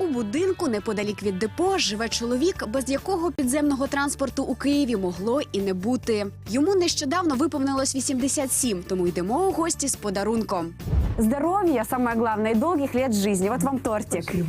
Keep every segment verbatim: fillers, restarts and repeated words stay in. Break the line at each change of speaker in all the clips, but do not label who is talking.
У будинку неподалік від депо живе чоловік, без якого підземного транспорту у Києві могло і не бути. Йому нещодавно виповнилось вісімдесят сім, тому йдемо у гості з подарунком.
Здоровья, самое главное, и долгих лет жизни. Вот вам тортик.
Спасибо.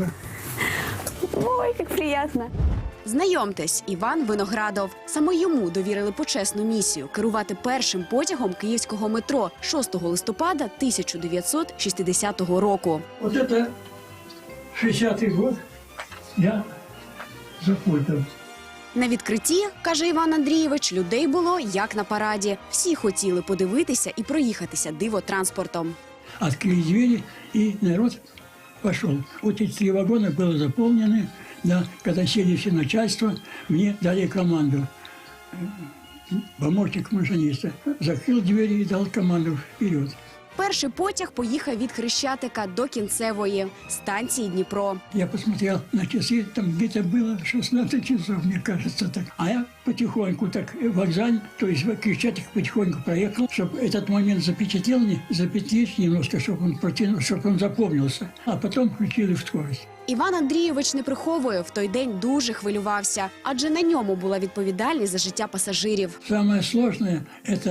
Ой, как приятно.
Знайомтесь, Іван Виноградов. Саме йому довірили почесну місію – керувати першим потягом київського метро шостого листопада тисяча дев'ятсот шістдесятого року.
Вот это шестидесятый год, я за пультом.
На відкритті, каже Іван Андрійович, людей було як на параді. Всі хотіли подивитися і проїхатися диво-транспортом.
Открыли двери, и народ пошел. Вот эти три вагона были заполнены. Да, когда сели все начальство, мне дали команду. Помощник машиниста закрыл двери и дал команду вперед.
Перший потяг поїхав від Хрещатика до кінцевої – станції Дніпро.
Я посмотрел на часы, там где-то было шестнадцать часов, мне кажется, так. А я потихоньку так вокзаль, то есть Крещатик потихоньку проехал, чтобы этот момент запечатлел, запетлить немножко, чтобы он протянул, чтобы он запомнился. А потом включили в скорость.
Іван Андрійович не приховує, в той день дуже хвилювався, адже на ньому була відповідальність за життя пасажирів.
Самое сложное – это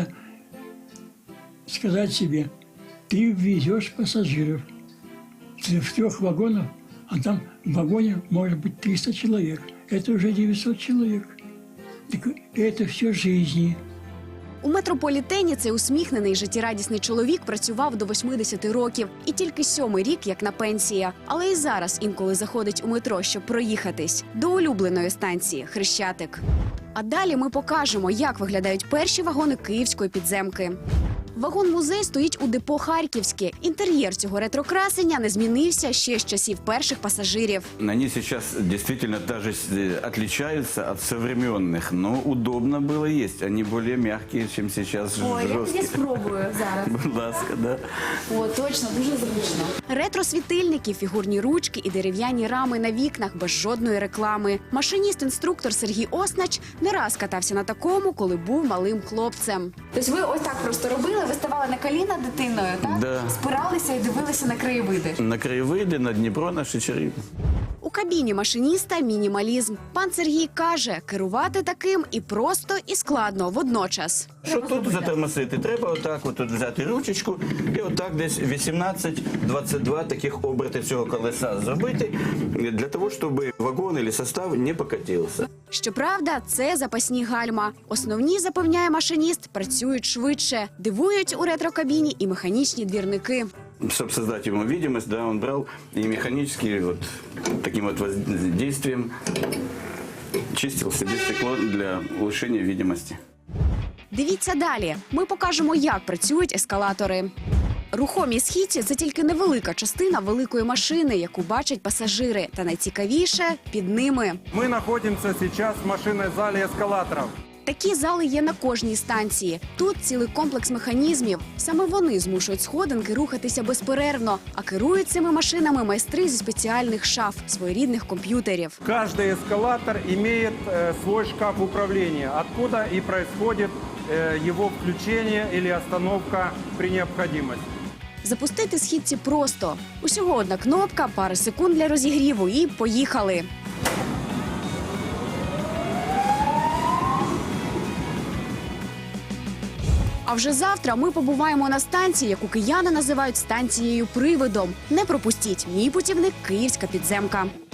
сказать себе, ты везешь пассажиров в трех вагонах, а там в вагоне может быть триста человек. Это уже девятьсот человек. Так это все жизни.
У метрополітені цей усміхнений, життєрадісний чоловік працював до восьмидесяти років. І тільки сьомий рік, як на пенсія. Але і зараз інколи заходить у метро, щоб проїхатись. До улюбленої станції – Хрещатик. А далі ми покажемо, як виглядають перші вагони київської підземки. Вагон-музей стоїть у депо Харківське. Інтер'єр цього ретрокрасення не змінився ще з часів перших пасажирів.
Они сейчас действительно даже отличаются от современных, но удобно было есть. Они более мягкие, чем сейчас жесткие.
спробую зараз.
Будь ласка, да.
О, точно, дуже зручно.
Ретро-світильники, фігурні ручки і дерев'яні рами на вікнах без жодної реклами. Машиніст-інструктор Сергій Оснач не раз катався на такому, коли був малим хлопцем.
Тобто ви ось так просто робили, ви ставали на коліна дитиною, так?
Да.
Спиралися і дивилися на краєвиди.
На краевыды, на Днепро, на Шичери.
У кабіні машиніста мінімалізм. Пан Сергій каже, керувати таким і просто, і складно водночас.
Що тут затормозити? Треба отак от взяти ручечку і отак десь вісімнадцять-двадцять два таких обертів цього колеса зробити, для того, щоб вагон або состав не покатився.
Щоправда, це запасні гальма. Основні, запевняє машиніст, працюють швидше. Дивують у ретрокабіні і механічні двірники.
Чтобы создать ему видимость, да, он брал и механически вот таким вот воздействием чистил себе стекло для улучшения видимости.
Дивіться далі. Ми покажемо, як працюють ескалатори. Рухомі східці – це тільки невелика частина великої машини, яку бачать пасажири. Та найцікавіше – під ними.
Мы находимся сейчас в машинной зале эскалаторов.
Такі зали є на кожній станції. Тут цілий комплекс механізмів. Саме вони змушують сходинки рухатися безперервно. А керують цими машинами майстри зі спеціальних шаф, своєрідних комп'ютерів.
Каждый эскалатор имеет э, свой шкаф управления, откуда и происходит э, его включение или остановка при необходимости.
Запустити східці просто. Усього одна кнопка, пару секунд для розігріву і поїхали. А вже завтра ми побуваємо на станції, яку кияни називають станцією-привидом. Не пропустіть, мій путівник – Київська підземка.